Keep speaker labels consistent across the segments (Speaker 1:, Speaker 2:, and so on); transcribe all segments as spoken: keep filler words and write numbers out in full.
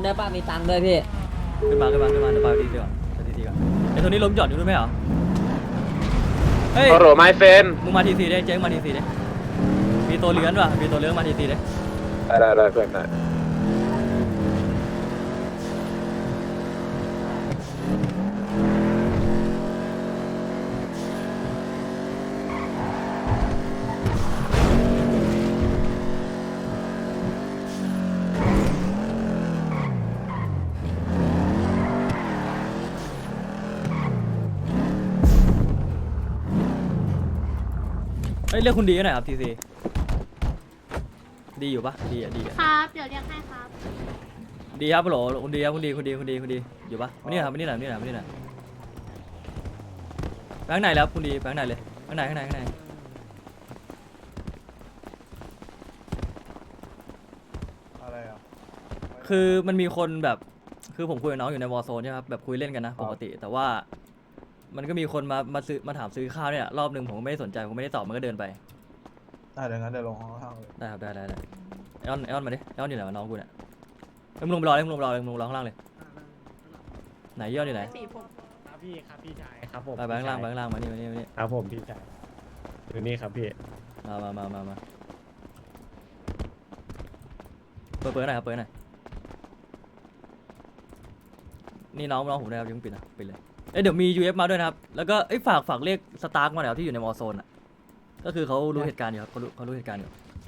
Speaker 1: นได้ป่ะมีตังค์ด้วยพี่
Speaker 2: ขึ้นมาขึ้นมาขึ้นมาเดี๋ยวไปดีดีกว่าไปดีดีก่อนไอ้ตัวนี้ล้มจอดอยู่ด้วยไหมเหรอเฮ้ย
Speaker 3: โอ้โหไมเฟน
Speaker 2: มึงมาทีซีได้เจ๊งมาทีซีได้มีตัวเลื้อนว่ะมีตัวเลื้อนมาทีซีได้
Speaker 3: ได้ได้เพื่อนได้
Speaker 2: เฮ้ยเรียกคุณดีหน่อยครับทีซีดีอยู่ปะดีอ่ะดีอ่ะ
Speaker 4: ครับเดี๋ยวเรียกให้ครับ
Speaker 2: ดีครับโหลคุณดีครับคุณดีคุณดีคุณดีคุณดีอยู่ปะมานี่หน่อยมานี่หน่อยมานี่หน่อยมานี่หน่อยไปข้างในแล้วคุณดีไปข้างในเลยข้างในข้างในข้างใน
Speaker 5: อะไรอ่ะ
Speaker 2: คือมันมีคนแบบคือผมคุยกับน้องอยู่ในวอลโซนใช่ไหมครับแบบคุยเล่นกันนะปกติแต่ว่ามันก็มีคนมามาซื้อมาถามซื้อข้าวเนี่ยรอบหนึ่งผมก็ไม่ได้สนใจผมไม่ได้ตอบมันก็เดินไป
Speaker 5: ได้เดี๋ยวงั้นเดี๋ยวลงข้างล่างเลย
Speaker 2: ได้ครับได้ได้ได้ไอออนไอออนมาดิไอออนอยู่ไหนวะน้องกูเนี่ยเอ้ยมึงลงไปรอเลยมึงลงไปรอเลยมึงลงรอข้างล่างเลยไหนไอออนอยู่ไหน
Speaker 6: ครับพี่ครับพี่ชายครับผม
Speaker 2: ไปไปข้างล่างไปข้างล่างมานี่มานี่มานี่
Speaker 6: ครับผมพี่ชายอยู่นี่ครับพี่
Speaker 2: มามามามามาเปิดเปิดหน่อยครับเปิดหน่อยนี่น้องน้องผมนะครับยังไม่ปิดนะปิดเลยเอ้ยเดี๋ยวมี ยู เอฟ มาด้วยนะครับแล้วก็เอ้ยฝากฝากเรียกสตาร์กมาหน่อยครับที่อยู่ในวอลโซนอ่ะก็คือเขารู้เหตุการณ์อยู่ครับเขารู้เขารู้เหตุการณ์อยู่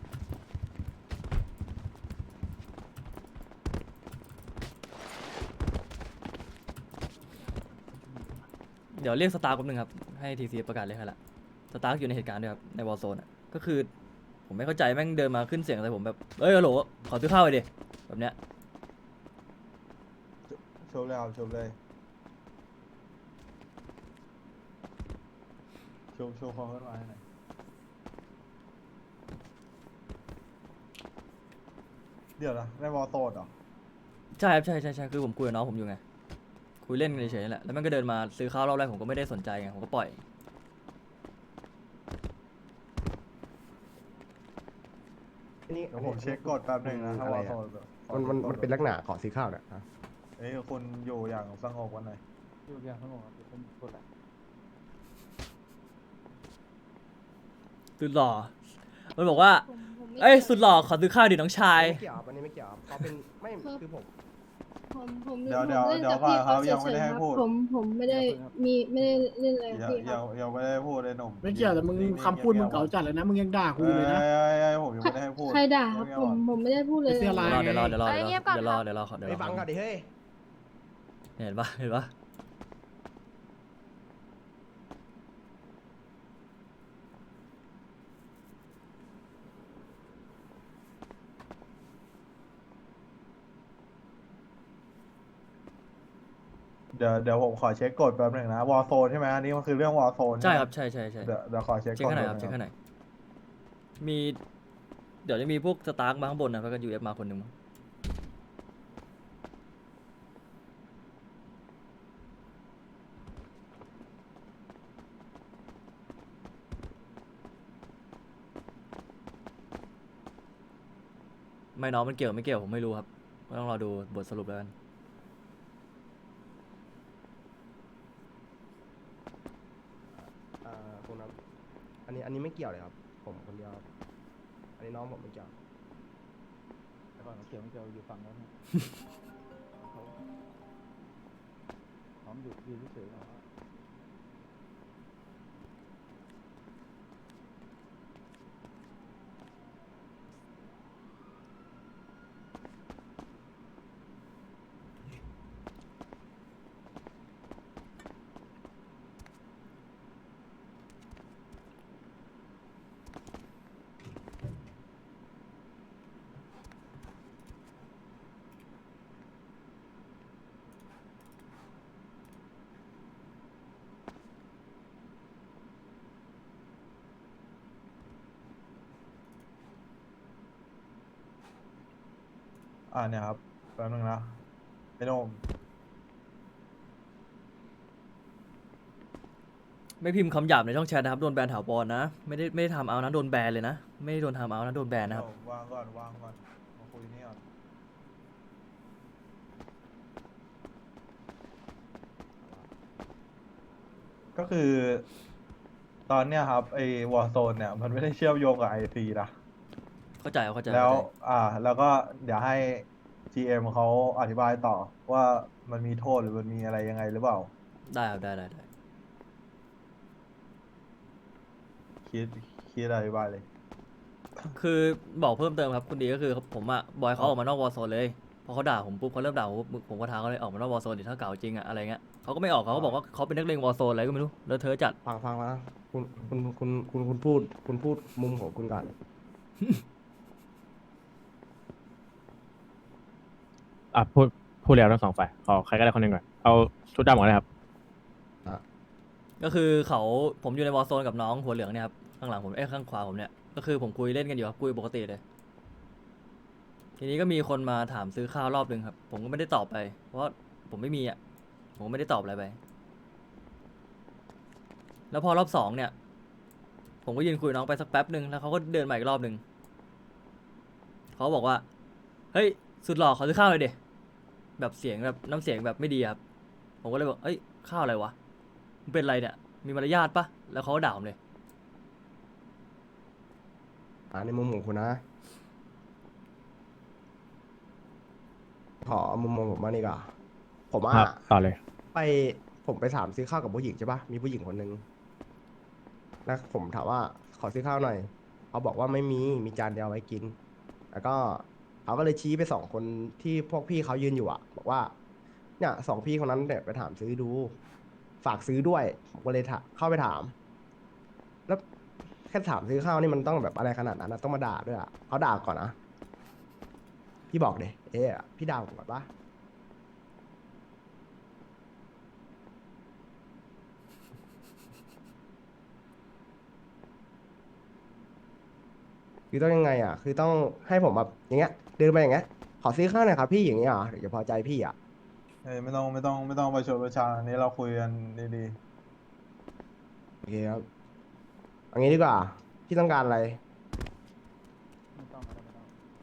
Speaker 2: เดี๋ยวเรียกสตาร์กแป๊บนึงครับให้ทีซีประกาศเรียกให้ละสตาร์กอยู่ในเหตุการณ์ด้วยครับในวอลโซนอ่ะก็คือผมไม่เข้าใจแม่งเดินมาขึ้นเสียงใส่ผมแบบเอ้ยฮัลโหลขอซื้อข้าวไปดิแบบเนี้ย
Speaker 5: ชมเลยครับชมเลยชมโชว์ความเคลื่อนไหวให้หน่อยเดี๋ยวนะในวอลโซนเหรอ
Speaker 2: ใช่ครับใช่ใช่ใช่คือผมคุยกับน้องผมอยู่ไงคุยเล่นกันเฉยๆนี่แหละแล้วมันก็เดินมาซื้อข้าวรอบแรกผมก็ไม่ได้สนใจไงผมก็ปล่อย
Speaker 7: นี่
Speaker 5: เดี๋ยวผมเช็คกดแป๊บหนึงนะถ้าวอลโซน
Speaker 7: มันมันมันเป็นลักษณะขอซื้อข้าวเนี่ยฮะ
Speaker 5: เอ้ยคุณอยู่อย่างสงบวันไหน
Speaker 6: อยู่อย่างสงบครับผมกดแหละ
Speaker 2: สุดหล่อมันบอกว่าเอ้ยสุดหล่อขอซื้อข้าวดิน้องชาย
Speaker 7: ไม่เกี่ยวครับอันนี้ไม่เกี่ยวครับเขาเป็นไม่คือผม
Speaker 4: ผมผม
Speaker 5: เดี๋ยว
Speaker 4: ผม
Speaker 5: เดี๋ยว
Speaker 4: เล่น
Speaker 5: เดี๋ยว
Speaker 4: กับ
Speaker 5: ก่อ
Speaker 4: พี่
Speaker 5: นครับ
Speaker 4: เขา
Speaker 5: ยังไม่
Speaker 4: เฉ
Speaker 5: ได้
Speaker 4: ย
Speaker 5: ให้
Speaker 4: ๆครับ
Speaker 5: พูด
Speaker 4: ผมผมไม่ได้มีไม่ได้เล่นอะไรกับ
Speaker 5: ยัง
Speaker 4: พี่ค
Speaker 5: ยั
Speaker 4: รั
Speaker 5: ง
Speaker 4: บ
Speaker 5: ยังไม่ได้พูดเลยหนุ่ม
Speaker 6: ไม่เกี่ยวแต่มึงคำพูดมึงเก่าจัดเลยนะมึงยังด่ากู
Speaker 5: เอ้
Speaker 6: อยู่เลยนะ
Speaker 5: ยเอ้ยเอ้ยผมยังไม่ได้ให้พูด
Speaker 4: ใครด่าครับผมผมไม่ได้พูดเลย
Speaker 6: เสื้อลาย
Speaker 2: เดี๋ยวรอเดี๋ยวรอเดี๋ยวรอเดี๋ยวรอเดี๋ยวรอเดี๋ยวรอเดี๋ยวรอ
Speaker 7: ไปฟังก่อนดิเฮ้ย
Speaker 2: เห็นปะเห็นปะ
Speaker 5: เดี๋ยวเดี๋ยวผมขอเช็คกดแป๊บหนึงนะวอลโซนใช่ไหมอันนี้มันคือเรื่องวอลโซน
Speaker 2: ใช่ครับใช่ใช่ใช่
Speaker 5: เดี๋ยวเดี๋ยวขอเช็ค
Speaker 2: เช็ค
Speaker 5: กด
Speaker 2: ให้หน่อยครับ
Speaker 5: แป๊
Speaker 2: เช็ค
Speaker 5: นึง
Speaker 2: ให้หน่อยมี เดี๋ยวจะมีพวกสตาร์กมาข้างบนนะแล้วก็ยูเอฟมาคนหนึ่งมั้งไม่น้องมันเกี่ยวไม่เกี่ยวผมไม่รู้ครับก็ต้องรอดูบทสรุปแล้วกัน
Speaker 7: อ่าคุณครับอันนี้อันนี้ไม่เกี่ยวเลยครับ ผมคนเดียวครับอันนี้น้องผมไม่เกี่ยว
Speaker 6: แต่ก่อนเกี่ยวไม่เกี่ยวอยู่ฝั่งแล้วนะพร้อมอยู่ยืนเฉยๆ
Speaker 5: อ่าเนี่ยครับแป๊บนึงนะไอ้โนม
Speaker 2: ไม่พิมพ์คำหยาบในช่องแชทนะครับโดนแบนถาวรนะไม่ได้ไม่ได้ทำเอานะโดนแบนเลยนะไม่ได้โดนทำเอานะโดนแบนนะครับ
Speaker 5: วางก่อนวางก่อนมาคุยนี่ก่อนก็คือ ตอนเนี้ยครับไอ้วอร์โซนเนี่ยมันไม่ได้เชื่อมโยงกับไอซีนะ
Speaker 2: เข้าใจเข้าใจ
Speaker 5: แล้ว
Speaker 2: เข้าใจ
Speaker 5: อ่า แล้วก็เดี๋ยวให้ จี เอ็ม เขาอธิบายต่อว่ามันมีโทษหรือมันมีอะไรยังไงหรือเปล่า
Speaker 2: ได้ครับได้ได้ได้
Speaker 5: คิดคิดอธิบายเลย
Speaker 2: คือบอกเพิ่มเติมครับคุณดีก็คือผมอะบอยเขาออกมานอกวอร์โซนเลยพอเขาด่าผมปุ๊บเขาเริ่มด่าผมปุ๊บผมก็ท้าเขาเลยออกมานอกวอร์โซนดิถ้าเก่าจริงอะอะไรเงี้ยเขาก็ไม่ออกเขาก็บอกว่าเขาเป็นนักเลงวอร์โซนอะไรก็ไม่รู้เลอะเทอะจัด
Speaker 7: ฟังฟังนะคุณคุณคุณคุณคุณพูด คุณพูดมุมของคุณก่อน
Speaker 1: อ่ะพูดพูดแล้วทั้งสองฝ่ายขอใครก็ได้คนหนึ่งก่อนเอาชุดดำก่อนเลยครับ
Speaker 2: ก็คือเขาผมอยู่ในวอร์โซนกับน้องหัวเหลืองเนี่ยครับข้างหลังผมเอ้ยข้างขวาผมเนี่ยก็คือผมคุยเล่นกันอยู่ครับคุยปกติเลย ทีนี้ก็มีคนมาถามซื้อข้าวรอบนึงครับ ผมก็ไม่ได้ตอบไป เพราะว่าผมไม่มีอ่ะผมก็ไม่ได้ตอบอะไรไป แล้วพอรอบสองเนี่ย ผมก็ยืนคุยกับน้องไปสักแป๊บหนึ่งแล้วเขาก็เดินมาอีกรอบหนึ่งเขาบอกว่าเฮ้ยสุดหล่อขอซื้อข้าวเลยเดแบบเสียงแบบน้ำเสียงแบบไม่ดีครับผมก็เลยบอกเอ้ยข้าวอะไรวะมันเป็นอะไรเนี่ยมีมารยาทปะแล้วเขาก็ด่าผมเลย
Speaker 7: อ่าในมุมของคุณนะ ขอมุมมองผมมางดีกว่าผมว่า
Speaker 1: ครับต่อเลย
Speaker 7: ไปผมไปถามซื้อข้าวกับผู้หญิงใช่ปะมีผู้หญิงคนหนึ่งแล้วผมถามว่าขอซื้อข้าวหน่อยเขาบอกว่าไม่มีมีจานเดียวไว้กิน แล้วก็เขาก็เลยชี้ไปสองคนที่พวกพี่เขายืนอยู่อะบอกว่า เนี่ยสองพี่คนนั้นเนี่ยไปถามซื้อดู ฝากซื้อด้วยผมก็เลยถามเข้าไปถาม แล้วแค่ถามซื้อข้าวนี่มันต้องแบบอะไรขนาดนั้นนะต้องมาด่าด้วยอะเขาด่าก่อนนะพี่บอกเดยเอ๊ะพี่ด่าผมก่อนปะคือต้องยังไงอ่ะ คือต้องให้ผมแบบอย่างเงี้ยเดินไปอย่างเงี้ยขอซื้อข้าวหน่อยครับพี่อย่างเงี้ยเหรอถึงจะพอใจพี่อ่ะ
Speaker 5: เอ้ยไม่ต้องไม่ต้องไม่ต้องประชดประชันอันนี้เราคุยกันดี
Speaker 7: โอเคครับเอันนี้ดีกว่า พี่ต้องการอะไร
Speaker 6: ไม่ต้องไม่ต้องไม่ต้อง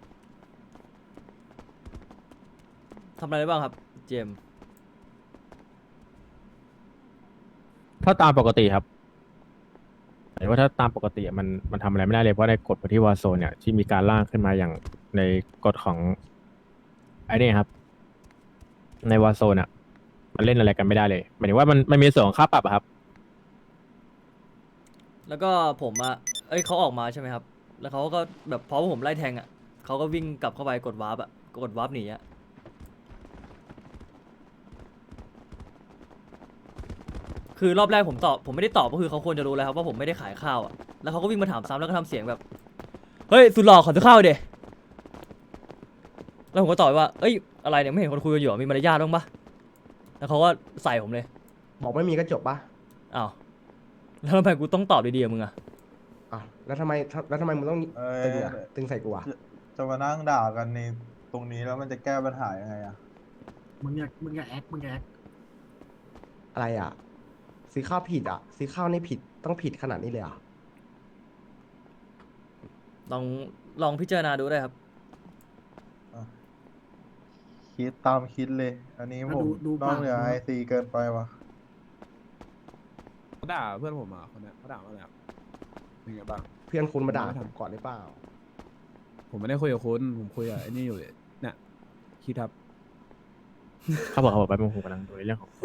Speaker 2: ทำอะไรได้บ้างครับเจมส์
Speaker 1: ถ้าตามปกติครับหมายว่าถ้าตามปกติอะมันมันทำอะไรไม่ได้เลยเพราะในกฎที่วอร์โซนเนี่ยที่มีการร่างขึ้นมาอย่างในกฎของไอ้นี่ครับ ในวอร์โซนอ่ะ มันเล่นอะไรกันไม่ได้เลยหมายถึงว่ามันมันมีส่วนของค่าปรับอะครับ
Speaker 2: แล้วก็ผมอะเอ้ยเขาออกมาใช่ไหมครับ แล้วเขาก็แบบพอผมไล่แทงอะเขาก็วิ่งกลับเข้าไปกดวาร์ปอะกดวาร์ปหนีอะคือรอบแรกผมตอบผมไม่ได้ตอบก็คือเขาควรจะรู้แล้วครับว่าผมไม่ได้ขายข้าวอะแล้วเขาก็วิ่งมาถามซ้ำแล้วก็ทำเสียงแบบเฮ้ยสุดหล่อขอซื้อข้าวเดแล้วผมก็ตอบไปว่าเอ้ยอะไรเนี่ยไม่เห็นคนคุยกันอยู่อะมีมารยาทบ้างปะแล้วเขาก็ใส่ผมเลย
Speaker 7: บอกไม่มีก็จบปะ
Speaker 2: อ้าวแล้วทำไมกูต้องตอบดีๆกับมึงอะ
Speaker 7: อ่ะแล้วทำไมแล้วทำไมมึงต้อง
Speaker 5: ๆเอ้
Speaker 7: ตึง
Speaker 5: ย
Speaker 7: อ่ะตึงใส่กูอ่ะ
Speaker 5: จะจะมานั่งด่ากันในตรงนี้แล้วมันจะแก้ปัญหายังไงอะ
Speaker 8: มึงอย่ามึงอย่าแอค มึงอย่าแอค
Speaker 7: อะไรอ่ะ ซื้อข้าวผิดอ่ะ ซื้อข้าวนี่ผิดต้องผิดขนาดนี้เลยอ่ะ
Speaker 2: ลองลองพิจารณาดูได้ครับ
Speaker 5: คิดตามคิดเลย อันนี้
Speaker 8: แล้ว
Speaker 5: ผม
Speaker 8: ดูดู
Speaker 5: นอกเหนือ
Speaker 8: ปาก
Speaker 5: ไอ
Speaker 8: เขา
Speaker 5: ซีเกินไปวะ
Speaker 3: เขาด่าเพื่อนผมอ่ะคนเนี้ยเขาด่าว่าอะไรครับเป็นไงบ้าง
Speaker 7: เพื่อนคุณมาด่า
Speaker 3: ไม่
Speaker 7: ผ
Speaker 3: ทำ
Speaker 7: มก่อนหรือเปล่า
Speaker 3: ผมไม่ได้คุยกับคุณผมคุยกับไอ้นี่อยู่เลยเนี่ยคิดครับ
Speaker 1: เขาบอกเขาบอกไปมึงผมกำลังดูในเรื่องของ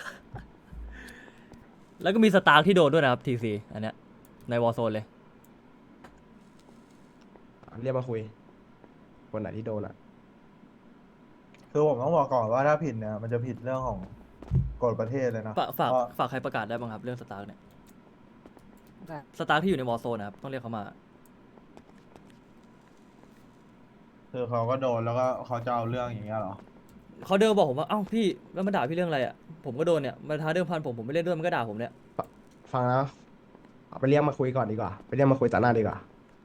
Speaker 2: แล้วก็มีสตาร์ที่โดนด้วยนะครับทีซีอันเนี้ยในวอร์โซนเลย
Speaker 7: เรียกมาคุย คนไหนที่โดนอ่ะ
Speaker 5: คือผมต้องบอกก่อนว่าถ้าผิดเนี่ยมันจะผิดเรื่องของกฎประเทศเลยนะ
Speaker 2: ฝากฝาก
Speaker 5: เพราะ
Speaker 2: ฝากใครประกาศได้บ้างครับเรื่องสตาร์เนี่ยสตาร์ที่อยู่ในวอร์โซนนะครับต้องเรียกเขามา
Speaker 5: คือเขาก็โดนแล้วก็เขาจะเอาเรื่องอย่างเงี้ยเหรอ
Speaker 2: เขาเดินบอกผมว่าเอ้าพี่แล้วมาด่าพี่เรื่องอะไรอ่ะผมก็โดนเนี่ยมาท้าเดิมพันผมผมไม่เล่นด้วยมันก็ด่าผมเนี่ย
Speaker 7: ฟังนะเอาไปเรียกมาคุยก่อนดีกว่า ไปเรียกมาคุยต่อหน้าดีกว่า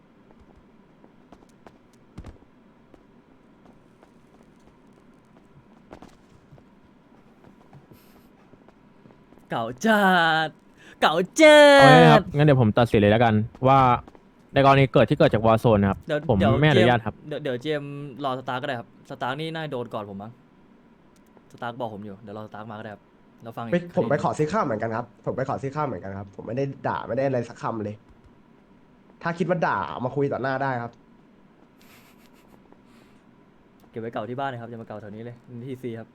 Speaker 2: เก่าจัดเก่าจั
Speaker 1: เอาง่ายๆครั
Speaker 2: ด
Speaker 1: บงั้นเดี๋ยวผมตัดสินเลยแล้วกัน ว่าในกรณีเกิดที่เกิดจากวอร์โซนนะครับ
Speaker 2: เดี๋ยว
Speaker 1: ผม
Speaker 2: เดี๋ยว
Speaker 1: ไม่อนุญาต
Speaker 2: เจ
Speaker 1: ครับ
Speaker 2: เดี๋ยวเดี๋ยวเจมส์รอสตาร์ก็ได้ครับสตาร์นี่น่าจะโดนก่อนผมมั้งสตาร์บอกผมอยู่เดี๋ยวรอสตาร์มาก็ได้ครับเราฟังอีก
Speaker 7: ไปผมไป
Speaker 2: คดี
Speaker 7: ขอซื้อข้าวเหมือนกันครับ ผมไปขอซื้อข้าวเหมือนกันครับ ผมไม่ได้ด่าไม่ได้อะไรสักคำเลย ถ้าคิดว่าด่าเอามาคุยต่อหน้าได้ครับ
Speaker 2: เก็บไว้เก่าที่บ้านนะครับอย่ามาเก่าแถวนี้เลยทีซีครับ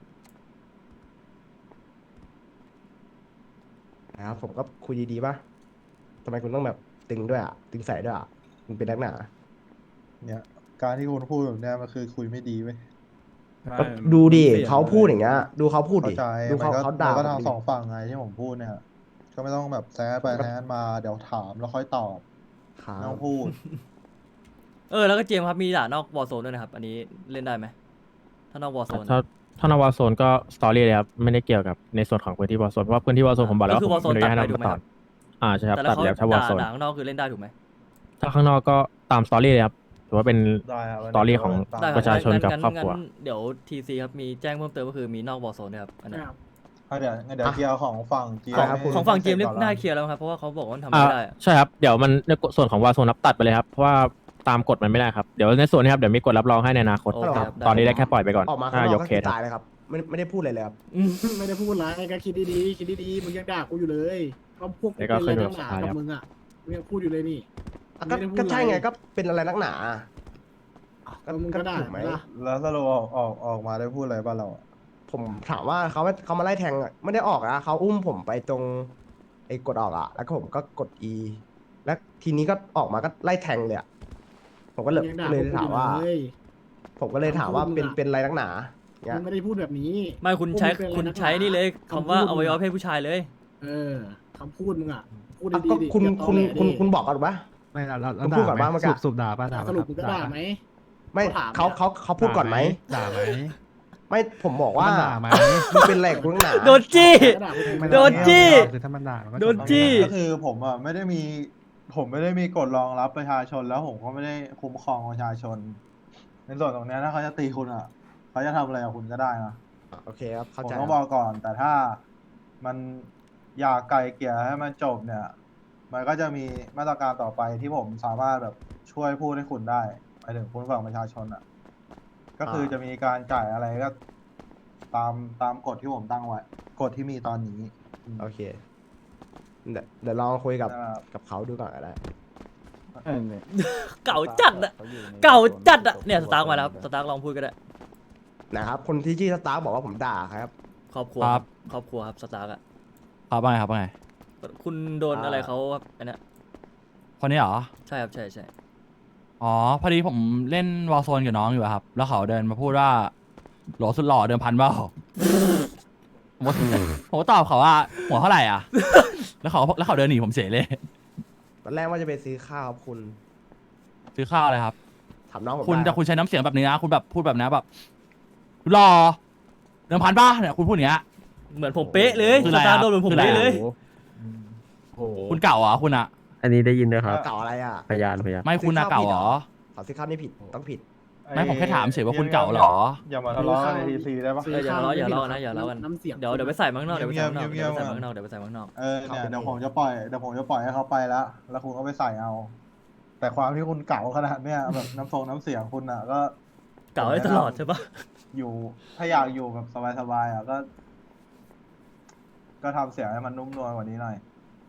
Speaker 7: นะครับ ผมก็คุยดีๆป่ะทำไมคุณต้องแบบตึงด้วยอ่ะ ตึงใส่ด้วยอ่ะคุณเป็นนักหนา
Speaker 5: เนี่ย การที่คุณพูดแบบเนี้ยมันคือคุยไม่ดีเว้ย
Speaker 7: ก็ดูดิเขาพูดอย่างเงี้ย ดูเขาพูด
Speaker 5: เข้า
Speaker 7: ดิ
Speaker 5: ใจ
Speaker 7: ดู
Speaker 5: มัน
Speaker 7: เขา
Speaker 5: ก็
Speaker 7: เขา
Speaker 5: มั
Speaker 7: ด่าน
Speaker 5: ก็
Speaker 7: ผม
Speaker 5: ทาง
Speaker 7: ดิ
Speaker 5: สองฝั่งไงที่ผมพูดเนี่ย ก็ไม่ต้องแบบแซะไปแซะมาเดี๋ยวถามแล้วค่อยตอบ
Speaker 7: ครั
Speaker 5: ไม่ต้
Speaker 7: บ
Speaker 5: องพูด
Speaker 2: เออแล้วก็เจมส์ครับมีด่านอกวอลโซนด้วยนะครับ อันนี้เล่นได้ไหมถ้านอกวอลโซน
Speaker 1: ถ้าถ้านวาโซนก็สตอรี่เลยครับไม่ได้เกี่ยวกับในส่วนของพื้นที่วาโซนเพราะว่าพื้นที่วาโซนผมบอกแล้ว
Speaker 2: ก็คือ
Speaker 1: ว่าผม
Speaker 2: Warzone
Speaker 1: ไม่อนุญาตให้
Speaker 2: ตัดไปถู
Speaker 1: น้
Speaker 2: ก
Speaker 1: อง
Speaker 2: ไหม
Speaker 1: มาต่ออ่าใช่ครับ
Speaker 2: แต่แล้
Speaker 1: ตั
Speaker 2: ว
Speaker 1: ด
Speaker 2: เขา
Speaker 1: แล้วถ้าวา
Speaker 2: ด่า
Speaker 1: โซน
Speaker 2: ด่าข้างนอกคือเล่นได้ถูกไหม
Speaker 1: ถ้าข้างนอกก็ตามสตอรี่เลยครับถือว่าเป็น
Speaker 5: ได้ครับ
Speaker 1: สตอรี่ของ
Speaker 2: ได้
Speaker 1: ประชาชนกับ
Speaker 2: งั้
Speaker 1: ครอบครัว
Speaker 2: งั้นเดี๋ยวทีซีครับมีแจ้งเพิ่มเติมก็คือมีนอกวอลโซนด้วยครับอันนั้น
Speaker 8: ครับ
Speaker 5: อ่ะเดี๋ยวงั้นเดี๋ยวเคลียร์ของฝั่งจี
Speaker 7: ของครับ
Speaker 2: ของฝั่งเจมส์
Speaker 5: ให้
Speaker 2: นี่
Speaker 5: สร็จก่อ
Speaker 2: น่า
Speaker 5: ละ
Speaker 2: เคลียร์แล้วครับเพราะว่าเขาบอกว่ามันทำ
Speaker 1: อ่า
Speaker 2: ไม่ได้อะ
Speaker 1: ใช่ครับเดี๋ยวมันในส่วนของวาโซนรับตัดไปเลยครับเพราะว่าตามกฎมันไม่ได้ครับเดี๋ยวในส่วนนี้ครับเดี๋ยวมีกฎรับรองให้ในอนาคต
Speaker 2: โอเคครับ
Speaker 1: ตอนนี้ได้แค่ปล่อยไปก่อน
Speaker 7: ออกมาข้าง
Speaker 1: ถ้าน
Speaker 7: อก
Speaker 1: ยก
Speaker 7: ก็
Speaker 1: เค
Speaker 7: คือ
Speaker 1: สครับ
Speaker 7: ตายเลยครับ ไม่ไม่ได้พูดอะไรเลยครับ
Speaker 2: อืม
Speaker 8: ไม่ได้พูดอะไรก็คิดดีๆคิดดีๆมึงยังด่ากูอยู่เลยก็พวกกู
Speaker 1: แล้วก็
Speaker 8: เป็นอะไร
Speaker 1: ขึ้น
Speaker 8: นักหนา
Speaker 1: กับสภา
Speaker 8: กับมึงอ่ะมึงยังพูดอยู่เลยนี่
Speaker 7: อ่ะก็
Speaker 8: ไม่ได้พูด
Speaker 7: ก็ใช่
Speaker 8: อะไร
Speaker 7: ไงก็เป็นอะไรนักหนา
Speaker 8: ก็มึงก็ด่า
Speaker 7: ถูกไหม
Speaker 8: ล่ะ
Speaker 5: แล้วสรุปออกออกออกมาได้พูดอะไรบ้างเราอะ
Speaker 7: ผมถามว่าเขาเขามาไล่แทงอะไม่ได้ออกนะเขาอุ้มผมไปตรงไอ้กดออกอ่ะ แล้วก็ผมก็กด E แล้วทีนี้ก็ออกมาก็ไล่แทงเลยอะผมก็เลย
Speaker 8: มึงยังด่า
Speaker 7: เลย
Speaker 8: พวกกู
Speaker 7: ถามว่า
Speaker 8: อยู่เลย
Speaker 7: ผมก็เลยถามว่า
Speaker 8: คำพูดมึง
Speaker 7: เป็น
Speaker 8: อะ
Speaker 7: เป็นอะไรนักหนาเงี้
Speaker 8: มึ
Speaker 7: ย
Speaker 8: งไม่ได้พูดแบบนี้
Speaker 2: ไม่คุณใช้
Speaker 8: พวกมึงเป็นอะไร
Speaker 2: คุณ
Speaker 8: นักหนา
Speaker 2: ใช้นี่เลยคำว่า
Speaker 8: คำพูด
Speaker 2: อวัยวะเพศผู้ชายเลย
Speaker 8: เออคำพูดมึงอ่ะพูด
Speaker 7: อ่ะ
Speaker 8: ดี
Speaker 7: ก็
Speaker 8: ๆดิ
Speaker 7: คุณ
Speaker 8: อย่าตอ
Speaker 7: คุณ
Speaker 8: แหล
Speaker 7: คุณ
Speaker 8: ดิ
Speaker 7: คุณบอกกันปะ
Speaker 3: ไม่เราเรา
Speaker 7: คุณพูดก่อนบ้างเมื่อกี้
Speaker 3: สูบสูบด่าป่ะด่า
Speaker 8: สรุปมึงก็ด่าไหม
Speaker 7: ไม่
Speaker 8: เขาถาม
Speaker 7: เขา
Speaker 8: เนี่ย
Speaker 7: เขาเขาพูดก่อนไหม
Speaker 3: ด่าไหม
Speaker 7: ไม่ผมบอกว่า
Speaker 3: มันด่าไหม
Speaker 7: มันเป็นแหลกนักหนา
Speaker 2: โดนจี้
Speaker 8: ก็ด่าพวกมึง
Speaker 2: โดนจี้
Speaker 3: คือถ้ามันด่ามันก็
Speaker 2: โดนจี้
Speaker 5: ก็คือผมอ่ะไม่ได้มี ผมไม่ได้มีกฎรองรับประชาชนแล้วผมก็ไม่ได้คุ้มครองประชาชน ในส่วนตรงเนี้ยถ้าเขาจะตีคุณอ่ะเขาจะทำอะไรกับคุณก็ได้นะ
Speaker 7: โอเคครับ
Speaker 5: ผ
Speaker 7: เข้าม ใจ
Speaker 5: ต้องบอกก่อน แต่ถ้ามันอยากไกลเกลี่ยให้มันจบเนี่ย มันก็จะมีมาตรการต่อไปที่ผมสามารถแบบช่วยพูดให้คุณได้หมายถึงคุณฝั่งประชาชนอ่ะ ก็คือจะมีการจ่ายอะไรก็ ตามตามกฎที่ผมตั้งไว้กฎที่มีตอนนี้อืม
Speaker 7: โอเคเดี๋ยวเดี๋ยวลองคุยกับ
Speaker 5: นะครับ
Speaker 7: กับเขาดูก่อนก็ได้
Speaker 6: เออเนี่ย
Speaker 2: เก่าจัดอะเก่าจัดอะเนี่ยสตาร์กมาแล้วครับสตาร์กลองพูดก็ได้
Speaker 7: นะครับ คนที่ชื่อสตาร์บอกว่าผมด่าครับ
Speaker 2: ครอบครัว
Speaker 9: ครับ
Speaker 2: ครอบครัวครับสตาร์กอะ
Speaker 9: ครับว่าไงครับว่าไง
Speaker 2: คุณโดนอะไรเขาครับอันเนี้ย
Speaker 9: คนนี้เหรอ
Speaker 2: ใช่ครับใช่ใช่
Speaker 9: อ๋อ พอดีผมเล่นวอลโซนกับน้องอยู่อะครับ แล้วเขาเดินมาพูดว่าโหลสุดหล่อเดิมพันเปล่าผมก็ผมก็ตอบเขาว่าหัวเท่าไหร่อ่ะ แล้วเขาแล้วเขาเดินหนีผมเฉยเลย
Speaker 7: ตอนแรกว่าจะไปซื้อข้าวครับคุณ
Speaker 9: ซื้อข้าวเลยครับ
Speaker 7: ถามน้องผม
Speaker 9: คุณ
Speaker 7: ได้
Speaker 9: แต่คุณใช้น้ำเสียงแบบนี้นะ คุณแบบพูดแบบนี้แบบหล่อเดิมพันป่ะเนี่ยคุณพูดอย่างเงี้ย
Speaker 2: เหมือนผมเป๊ะเลย
Speaker 9: คือ
Speaker 2: ส
Speaker 9: อะไร
Speaker 2: ตาร์
Speaker 9: อะ
Speaker 2: โดนเหมือนผม
Speaker 9: คืออะไร
Speaker 2: เป๊ะ
Speaker 9: อะ
Speaker 2: เลย
Speaker 3: โอ้โห
Speaker 9: คุณเก่าเหรอคุณอะ
Speaker 1: อันนี้ได้ยินด้วยครับ
Speaker 7: เก่าอะไรอ่ะ
Speaker 1: พยานพยาน
Speaker 9: ไม่คุณอะเก่าเหรอ
Speaker 7: ขอซื้อข้าวนี่ผิดต้องผิด
Speaker 9: ไม่ผมแค่ถามเฉยว่าคุณเก่าเหรอ
Speaker 5: อย่ามาทะเลาะกันในทีซีได้ปะ
Speaker 2: เอออย่าทะเลาะอย่าทะเลาะนะอย่าทะเลาะกัน
Speaker 8: น้ำเสียง
Speaker 2: เดี๋ยวเดี๋ยวไปใส่มาข้างนอกเดี๋ยวไปใส่มาข้างนอก
Speaker 5: เงี
Speaker 2: เดี๋ย
Speaker 5: ยว บ
Speaker 2: ไป
Speaker 5: ๆ
Speaker 2: ใส่มาข้างนอกเดี๋ยวไปใส่มาข้างนอก
Speaker 5: เออเนี่ยเดี๋ยวผมจะปล่อยเดี๋ยวผมจะปล่อยให้เขาไปแล้ว แล้วคุณก็ไปใส่เอา แต่ความที่คุณเก่าขนาดเนี้ยแบบน้ำทรงน้ำเสียงคุณอ่ะ ก็
Speaker 2: เก่าได้ตลอดใช่ปะ
Speaker 5: อยู่ถ้าอยากอยู่แบบสบายๆอ่ะก็ ก็ทำเสียงให้มันนุ่มนวลกว่านี้หน่อย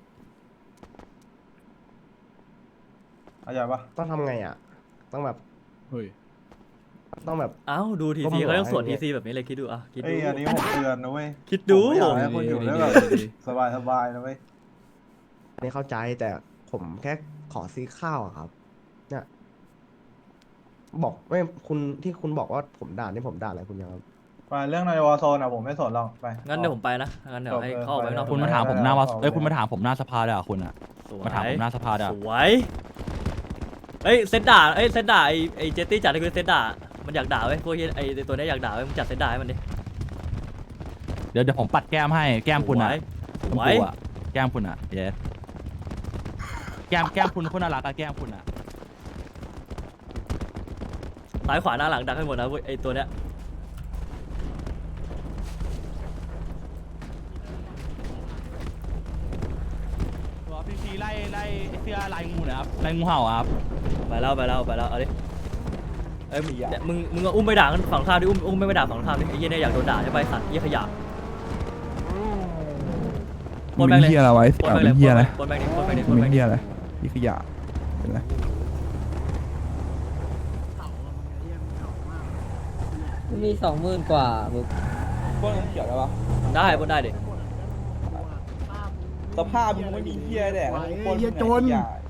Speaker 5: เข้าใจปะ
Speaker 7: ต้องทำไงอ่ะ ต้องแบบ
Speaker 3: เฮ้ย
Speaker 7: ต้องแบบ
Speaker 2: อ้าวดูที
Speaker 7: ก็
Speaker 2: ซี
Speaker 7: มัน
Speaker 2: เขาต้อง
Speaker 7: บอก
Speaker 2: สวด
Speaker 7: ให้
Speaker 2: ทีซีแบบนี้เลยคิดดูอ่ะคิด
Speaker 5: เอ้
Speaker 2: ดู
Speaker 5: ยอันนี้ผมเตือนนะเว้ย
Speaker 2: คิดดู
Speaker 5: ผมไม่อยากให้คุณอยู่ได้แบบสบายๆนะเว้ย
Speaker 7: ไม่เข้าใจแต่ผมแค่ขอซื้อข้าวอะครับ เนี่ย บอกไม่คุณที่คุณบอกว่าผมด่านี่ผมด่าอะไรคุณยังครับ
Speaker 5: ไปเรื่องในวอร์โซนอ่ะผมไม่สนหรอกไป
Speaker 2: งั้นเดี๋ยวผมไปนะงั้นเดี๋ยวให้เข้าออกไปข้างนอก
Speaker 9: คุณมาถามผมหน้าว่าเอ้ยคุณมาถามผมหน้าสภาเด้อคุณอะ
Speaker 2: สวย
Speaker 9: มาถามผมหน้าสภาเด้อ
Speaker 2: สวยเอ้ยเซตด่าเอ้ยเซตด่าไอ้ไอ้เจตตี้จัดให้คือเซตด่ามันอยากด่าเว้ยพวกเหี้ยไอ้ไอ้ตัวเนี้ยอยากด่าเว้ยมึงจัดเซตด่าให้มันดิ
Speaker 9: เดี๋ยวเดี๋ยวผมปัดแก้มให้แก้มคุณอะ
Speaker 2: ส
Speaker 9: คุณ
Speaker 2: วย
Speaker 9: ปู่อะแก้มคุณอะเยสแก้มแก้มคุณคุณน่ารักอะแก้มคุณอะ
Speaker 2: ซ้ายขวาหน้าหลังดักให้หมดนะเว้ยไอ้ตัวเนี้ย
Speaker 9: ตัวพี่ซีไล่ไล่ไอ้เสื้อลายงูนะครับลายงูเห่าอะครับ
Speaker 2: ไปแล้วไปแล้วไปแล้วเอาดิเอ้ยมึงเนี่ยมึงมึงเอาอุ้มไปด่ากันฝั่งข้ามดิอุ้มอุ้มไม่ไปด่าฝั่งข้ามดิไอ้เหี้ยเนี่ยอยากโดนด่าใช่ไหมไอ้สัตว์เหี้ยขยะปนแบงค์เลย
Speaker 10: เฮียอะไรไว้
Speaker 2: ป
Speaker 10: เสี
Speaker 2: น
Speaker 10: ย
Speaker 2: แบงค์เล
Speaker 10: เป็
Speaker 2: ย
Speaker 10: นเฮียอะไร
Speaker 2: ปนแบงค์ดิปนแบงค์ดิป
Speaker 10: มึ
Speaker 2: น
Speaker 10: ง
Speaker 2: แบ
Speaker 10: เป็
Speaker 2: ง
Speaker 10: น
Speaker 2: ค์ดิ
Speaker 10: เฮียอะไรพี่ขยะเป็นไร
Speaker 6: มีสองหมื่นกว่ามึง
Speaker 11: ปล้นเขียวได้ปะ
Speaker 2: ได้ปนได้ดิ
Speaker 11: สภาพมึงไม่มีเฮียแดก
Speaker 8: ไหว
Speaker 11: ปล้น
Speaker 8: เฮียจน
Speaker 11: อย่า